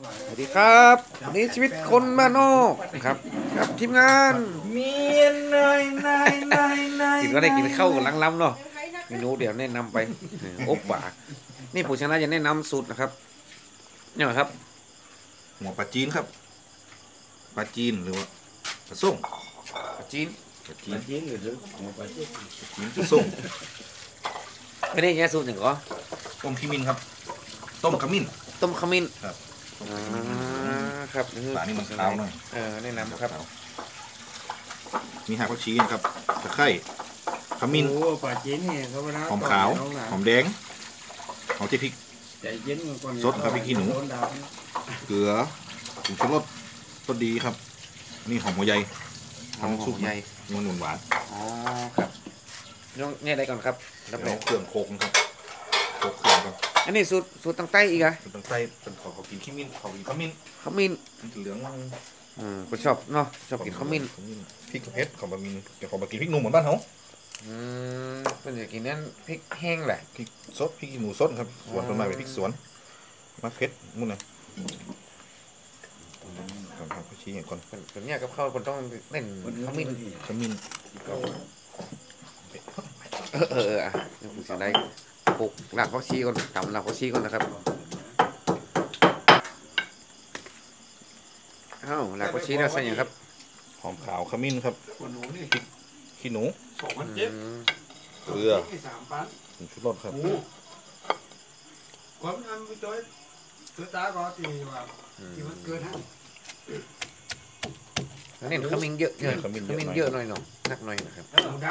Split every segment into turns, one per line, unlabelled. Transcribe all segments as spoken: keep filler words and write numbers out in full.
สวัสดีครับวันนี้ชีวิตคนบ้านนอกครับกับทีมงาน
มีนายนายนายนาย
กินก็ได้กินข้าวกับล้ำๆเนาะเมนูเดี๋ยวแนะนำไปโอ๊บป่านี่ผู้ชนะจะแนะนำสูตรนะครับนี่ครับ
หัวปลาจีนครับปลาจีนหรือว่าปลาส้ม
ปลาจีน
ปลาจีน
จีนหรือหัวปลาจีน
จีนปลาส้ม
ไม่ได้แย่สูตรหนึ่งก็
ต้มขมิ้นครับต้มขมิ้น
ต้มขมิ้น
ครับ
อ่าครับ
ปลานี่มันขาวหน่อย
เออแนะนำครับ
มีหักผักชีนะครับตะไคร้ขมิ้น
ปลาจีนเนี่ยเขา
หอมขาวหอมแดงหอมเจียวพริกสดครับพริกขี้หนูเกลือผงชูรสรสดีครับนี่หอมหัวใหญ่ทำซุป
ใหญ่
มันหวานหวาน
อ๋อครับน้องเนี่ยอะไรก่อนครับ
แล้วก็เครื่องโคกครับโคกเครื่องครับ
อันนี้สูตรสูตรตั้งใต้อีกเหรอ
สูตรตั้งใต้เป็นขอกินขมิ้นขอกินขมิ้น
ขมิ้น
มันเหลือง
อืมก็ชอบเนาะชอบกินขมิ้น
พริกเผ็ดของบะหมี่เดี๋ยวขอบะหมี่พริกหนุ่มเหมือนบ้านเขา
อืมเป็นอย่างกินนั่นพริกแห้งแหละ
พริกสดพริกหนูสดครับสวนต้นไม้เป็นพริกสวนมะเผ็ดมุ่นนะทำผักชีอย่างก่อน
เป็นเนี่ยกับข้าวคนต้องเล่นขมิ้น
ขมิ้น
เออเอออ่ะนี่ผมจะได้ปลูกหลักผักชีก่อนทำหลักผักชีก่อนนะครับอ้าวหลักผักชีเราใส่ยังครับ
หอมขาวขมิ้นครับพริกขี้หนู
สองพันเจ็ด
เกลือผงชูรสครับ
ความน้ำไปตัวตัวตาก็ตีว่าที่มันเกินให้
นี่ขมิ้นเยอะเยอะขมิ้นเยอะหน่อยหน่อยนักหน่อยนะครับ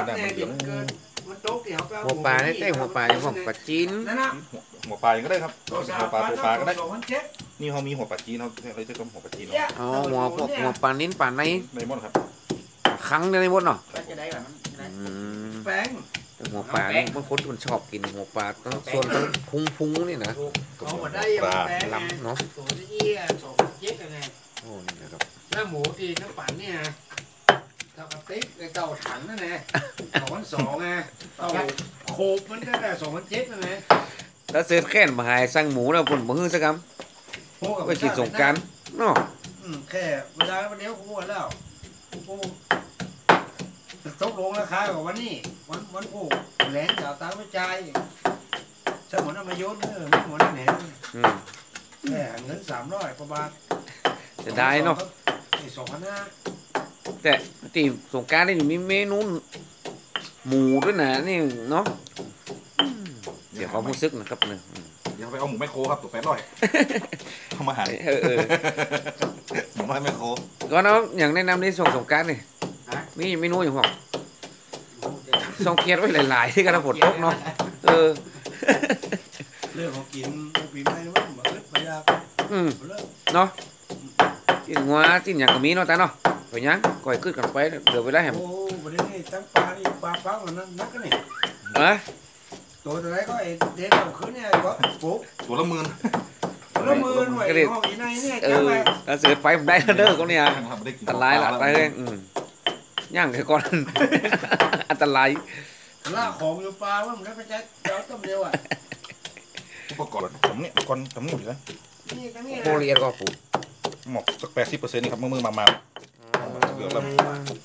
หัวปลาได้ได้หัวปลาอย่างปลาจีน
หัวปลาอย่างก็ได้ครับหัวปลาตัวปลาก็ได้นี่เขามีหัวปลาจีนเขาเขาจะต้มหัวปลาจีน
อ๋อหัวหัวปลานิ้นปลาใน
ในมดครับ
ครั้งในมดเนาะ
แป้ง
หัวปลาบางคนคนชอบกินหัวปลาต้องส่วนต้องพุงพุงนี่นะ
ปลา
ล้ำเนาะ
ตัวนี้สองเจ็ดยังไง
โอ้นี่นะครับ
แล้วหมูตีน้ำปั่นเนี่ยเต่ากระติกเต่าถังนั่นแหละสองพันสองไงเต่าโคบมันก็ได้สองพันเจ็ดนั่นแหละ
แล้วเสือแค่นมาหายสั่งหมูแล้วผลมือสักคำไปกินสงการเนาะ
แค่เวลาวันนี้กูหมดแล้วกูตกลงราคากับวันนี้วันวันกูแหลนจะตามไม่ใจสมุนเอามาโยนเออไม่หมดนั่นเองแค่เงินสามร้อยกว่าบาท
จะได้เนาะ
สองพันห้า
แต่ตีสงการนี่มีเมนูหมูด้วยนะนี่เนาะเดี๋ยวเขาพูดซึกนะครับเนี่ย
เดี๋ยวไปเอาหมูแมคโครครับตัวแปดร้อยทำอาหาร
เออ
หมูแมคโคร
ก็เนาะอย่างแนะนำในส่งสงการนี่มีเมนูอย่างบอกส่งเกียร์ไว้หลายๆที่กระฝนตกเนาะเออ
เรื่องของกินปีใหม่นะว่ามาเลิกไปยาก
อืมเนาะจิ้นงัวจิ้นอย่างก็มีเนาะตาเนาะไปยังก่อยขึ้นกันไปเดี๋ยวไปได้แหม
โอ้ประเด็นนี้ตั้งปลานี่ปลาฟังมันนักกันนี่
เออ
ตัวอะไรก็ไอเด็กเอาขึ้นเนี่ยก็ปุ๊บ
ตัวละหมื่น
ตัวละหมื่นหน่วยห้องอีไนเนี่ย
เออแล้วเสือไฟได้เด้อเขาเนี่ยอันตรายละไปเลยอืมย่างแค่ก่อนอันตราย
ล่าของอยู่ปลาว่ามันได้ไปใช้เจ้าต้มเดียวอ่ะ
อุปกรณ์ผมเนี่ยก่อนทำนี่อยู่แล้ว
โคเรียก็ปู
หมกสักแปดสิบเปอร์เซ็นต์นี่ครับมือมือมามาเกือบแล้ว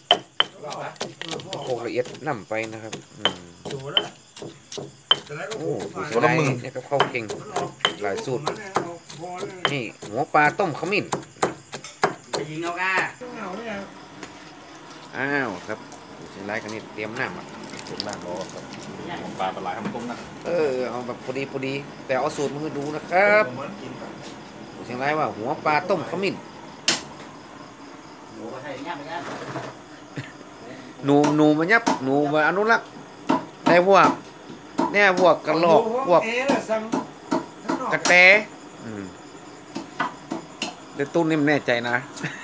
โคละเอียดล่ำไปนะครับโอ้
ตัวละหมื่น
เนี่ยก็เข้าเก่งหลายสูตรนี่หัวปลาต้มขมิ้นอ้าวครับใช้ไล่กันนี่เตรียมน้ำอ่ะ
เตรียมน้ำรอครับปลาปลาไหลทำต้มนะ
เออเอาแบบพอดีพอดีแต่เอาสูตรมาให้ดูนะครับเชียงรายว่าหัวปลาต้มขมิ้นหนูหนูมันยับหนูมาอนุรักษ์ได้พวกเนี่ยพวกกระโหลกพวกกระแตเดี๋ยวตุ้นนี่มันแน่ใจนะ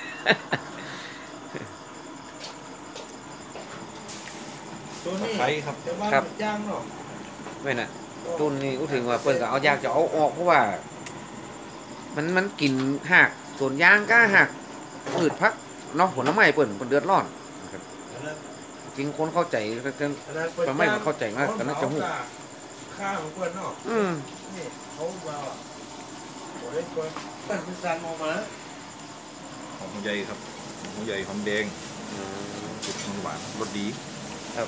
ไข่ครับ
ครับไม่น่ะตุ้นนี่กูถึงว่าเปิดก็เอายากจะเอาออกเพราะว่ามันมันกินหักส่วนยางก็หักพืชพักเนาะผลไม้เปิดมันเดือดร้อนจริงคนเข้าใจแต่ไม่เข้าใจมากแต่น่าจะหู
ข้าวของเพื่อนเนาะ
อืม
นี่เขาว่าเล่นตัวตั้งเป็นซันออกมา
หอมหัวใหญ่ครับหอมหัวใหญ่หอมแดงสุดหวานรสดี
ครับ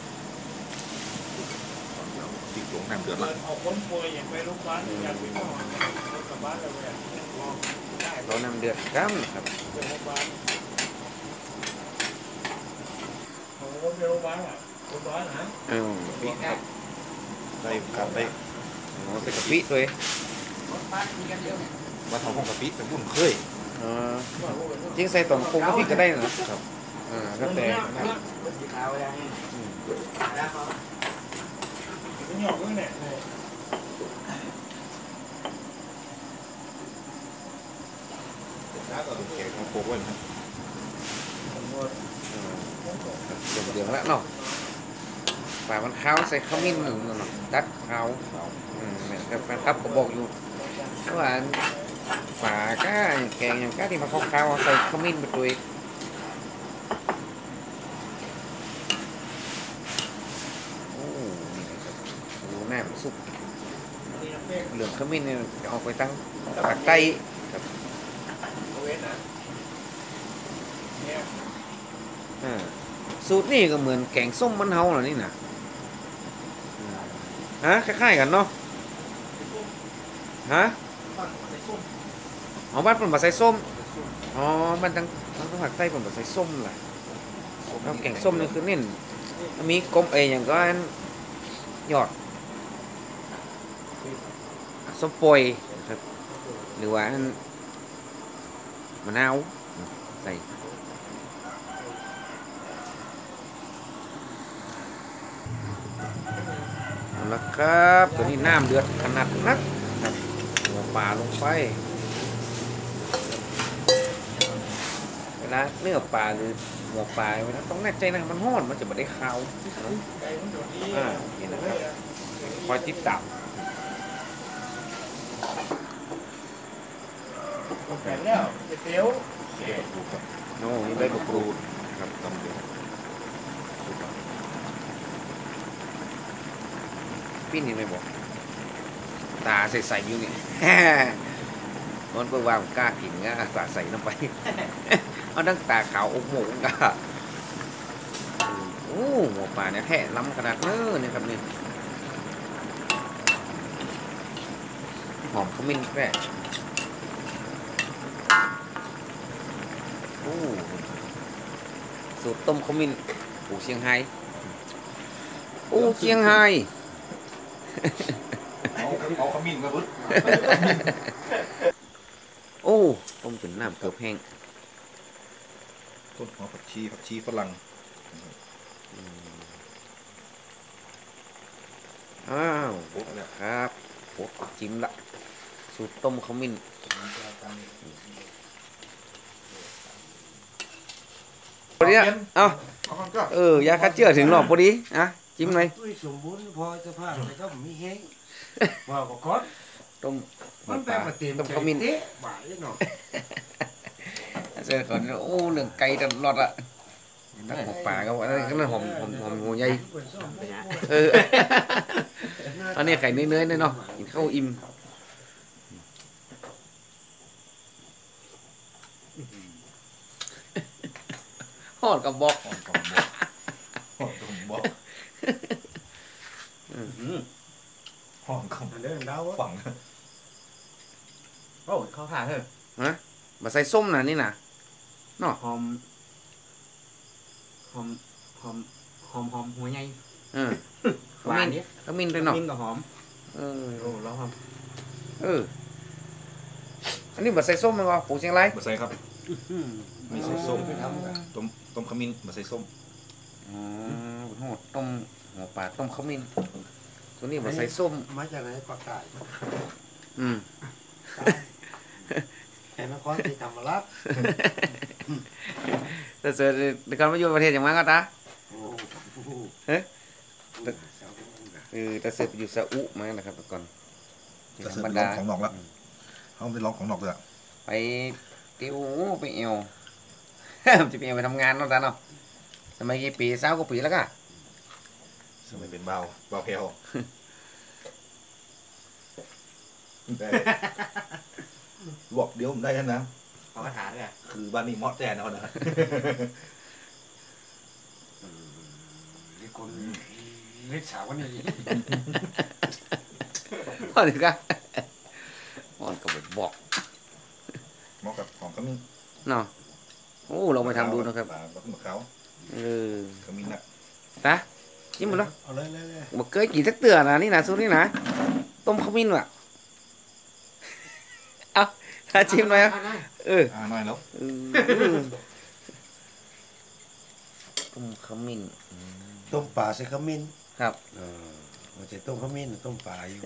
เดี๋ยวพริกหลวงน้ำเดือดละ
เอาคนป่วยอย่างไปโรงพยาบาลอยากไปหมอกลับบ้านเราเนี่ยได้
เรานำเดือดกั้มครับ
ไปโรงพยาบาลเอาคนไปโรงพยาบาลอ่ะโรงพยาบาลนะ
เออ
พริกครับได้ครับได้
เอาใส่กะปิด้วย
มาทำของกะปิแต่บุ่นเคย
เออจริงใส่ตอนปรุงกะปิก็ได้นะครับอ่าก็แต่
เป็นหยอกด้วยเนี่ย
แล้วก็แกงของโคกไว้นะครับ
เดือดเดือดแล้วเนาะป่ามันขาวใส่ขมิ้นหนึ่งเนาะดัดขาวอืมเนี่ยครับแฟนครับก็บอกอยู่ว่าป่าก้าแกงอย่างก้าที่มันขาวๆใส่ขมิ้นไปด้วยโอ้นี่นะครับดูหน้ามันสุกเหลืองขมิ้นเนี่ยจะออกไปตั้งปากใต้ครับอ่าสูตรนี่ก็เหมือนแกงส้มมันเฮาเหรอนี่นะฮะคล้ายๆกันเนาะฮะอ๋อบ้านผมมาใส่ส้มอ๋อบ้านทางทางภาคใต้ผมมาใส่ส้มแหละแล้วแกงส้มนี่คือเน้นมีกลมเอยอย่างก็อันยอดส้มปล่อยนะครับหรือว่าอันมะนาวใส่เอาละครับตัวนี้น้ำเดือดขนาดนักครับหัวปลาลงไปเวลาเนื้อปลาหรือหัวปลาเวลาต้องแน่ใจนะมันห้อนมันจะไม่ได้ขาวอ่านี่นะครับคอยติดตาม
แก่แล้วเตี๋ยว
ดูครับ
โน่นี่ใบมะกรูด
ครับตำเดือด
พี่นี่ไม่บอกตาใส่ๆอยู่นี่ มันเพื่อว่าผมกล้ากินง่ะตาใส่น้ำไป เอาดั้งตาขาวอกหมูกะโอ้หมูป่าเนี่ยแท้ล้ำขนาดเน้อเนี่ยครับนี่หอมขมิ้นแค่โอ้สูตรต้มขมิ้นปูเชียงไฮ้ปูเชียงไฮ้
เอาเอาขมิ้นมาบึ้ด
โอ้ต้มจนน้ำเกือบแห้ง
ต้นหอมผักชีผักชีฝรั่ง
อ้าวโอ้ครับโอ้จิ้มละสูตรต้มขมิ้นพอดีอ่ะเอ้าเออยาฆ่าเชื้อถึงหรอกพอดีอ่ะจิ้มหน่อย
ตุ้ยสมบูรณ์พอจะพาแต่ก็มีแห้งว่าก็คอด
ต้ม
มันแปลมาเต็ม
ต้มขมิ้น
เต๊ะบ่ายเนาะ
เจอก่อนโอ้เรื่องไก่ตลอดอะตักหัวปลาก็ว่าอันนั้นหอมหอมหอมหัวใหญ่เอออันนี้ไข่เนื้อๆเนาะกินข้าวอิ่มหอดกับบอก
หอมกำบอกหอมกำบอกหอมกำ
เดินดาว
ฝัง
โอ้เขาถ่ายเถอะ
ฮะมาใส่ส้มน่ะนี่น่ะ
หอมหอมหอมหอมหอมหัวใหญ่
เออข
หวา
มิ้
น
น
เนี่ย
ขมิ้นด้วยเนาะ
มิ้นกับหอม
เออ
โอ้แล้วหอม
เอออันนี้มาใส่ส้มมั้ยวะปูเชียงราย
มาใส่ครับมีใส่ส้มต้มต้มขมิ้นมาใส่ส้ม
อ๋อโหต้มหัวปลาต้มขมิ้นตัวนี้มาใส่ส้ม
มาจากไหนปากกา
อืม
แต่นครศรีธรรมราช
แต่เสือในการมาอยู่ประเทศอย่างมากก็ตา
โอ้โห
เฮ้ยเออแต่เสือไปอยู่ซาอุมานะครับแต่ก่อน
จะเสิร์ฟเป็นร้องของนอกแล้วเขาไปร้องของนอกเลย
ไปติวไปเอว จะไปเอวไปทำงานเนาะตาเนาะสมัยกี่ปีสาวกว่าปีแล้วก็
สมัยเป็นเบาเบาแพลว
โ
ได้ลวกเดียวผมได้แล้วนะ
เอากระถาด้วย
คือบ้านนี้มอดแน่นอนนะ
นี่คนเล็กสาวนี่
พอดีครับมันก็บอก
เหมาะกับของขมิ้น
เนาะโอ้เราไปทำดูนะครับ
ปลาบักมะเขา
เออ
ขมิ้นนะ
ตาจิ้มหมดแล้ว
เอาเลยเลยเลย
บอกเคยกินสักเตือนะนี่นะซุปนี่นะต้มขมิ้นว่ะเอาถ้าจิ้มไหมอ่ะเออ
อ่าน้อยแล้ว
อืมต้มขมิ้นอืม
ต้มปลาใส่ขมิ้น
ครับ
เออมันจะต้มขมิ้นต้มปลาอยู่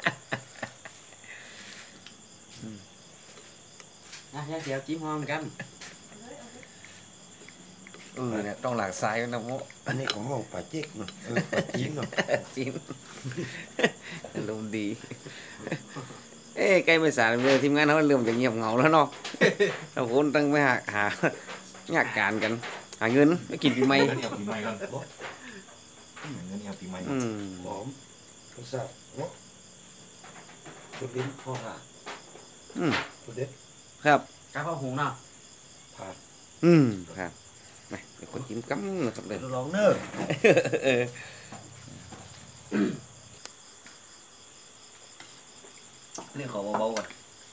อ่ะยาเสียวจิ้มหอมกัน
เออเนี่ยต้องหลากซ้ายนะโม
อันนี้ของเราปลาเจ๊กเนาะเออปลาจีนเนาะ
จิ้มอารมณ์ดี เอ้ใกล้ไม่สายเลยทีมงานเขาเริ่มจะเงียบเหงาแล้วเนาะเราคนตั้งไปหาหางานการกัน หาเงินไปกินปีใหม่
เงินเอาปีใหม่ก่อนอืมเงินเอาปีใหม่ก่อน
อืม
หอมรสชาติเนาะสุดลิ้นพ่อค่ะ
อืม
สุดเด็ด
ครับ
กระเพราหุงเนาะ
ผ่าน
อืมครับไปเดี๋ยวคนจิ้มกั๊มนะครับเลย
ลองเนอะ
เออนี่ขอเบาๆก่อน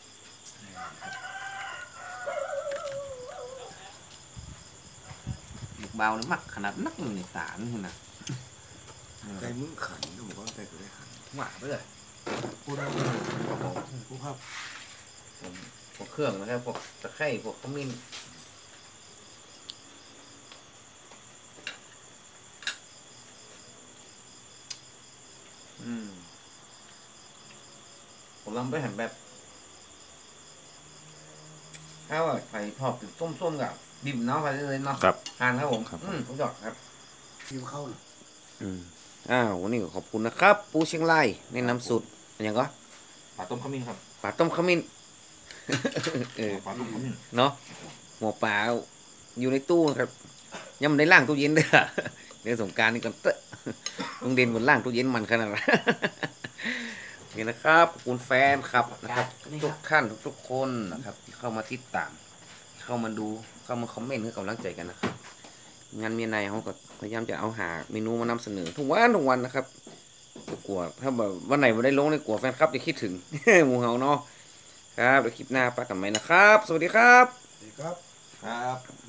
เบาเลยมักขนาดนักในตานี่นะ
ใจมึงขันนะผมว่าใจกูได้ขัน
หวานไปเลย
พูดได้พูดครับ
พวกเครื่องนะครับพวกตะไคร้พวกขมิ้นอืมผมลองไปเห็นแบบถ้าว่าไข่ทอดเป็นส้มๆกับดิบเนาะไปเลยเนาะ
ครับ
ทานครับผม
ครับ
อืมผมยอดครับ
คิวเข้าน่ะ
อืมอ้าววันนี้ก็ขอบคุณนะครับ ปูเชียงรายแนะนำสูตรอย่างก็
ปลาต้มขมิ้นครับ
ปลาต้มขมิ้น เออ
ปลาต้มขมิ้น
เนาะหัวปลาอยู่ในตู้ครับยังไม่ได้ล่างตู้เย็นเด้อ เดี๋ยวสงกรารนี่ก่อนเตอะลุงเด่นบนล่างตู้เย็นมันขนาดนั้น นี่นะครับขอบคุณแฟนครับนะครับ ทุกท่านทุกๆคนนะครับที่เข้ามาติดตาม เข้ามาดูเข้ามาคอมเมนต์ให้กำลังใจกันนะครับ งานเมียในเขาก็พยายามจะเอาหาเมนูมานำเสนอทุกวันทุกวันนะครับกลัวถ้าแบบวันไหนไม่ได้ลงเลยกลัวแฟนคลับจะคิดถึง หมูเฮาเนาะครับเดี๋ยวคลิปหน้าปะกันใหม่นะครับ สวัสดีครับ
ดีครับ
ครับ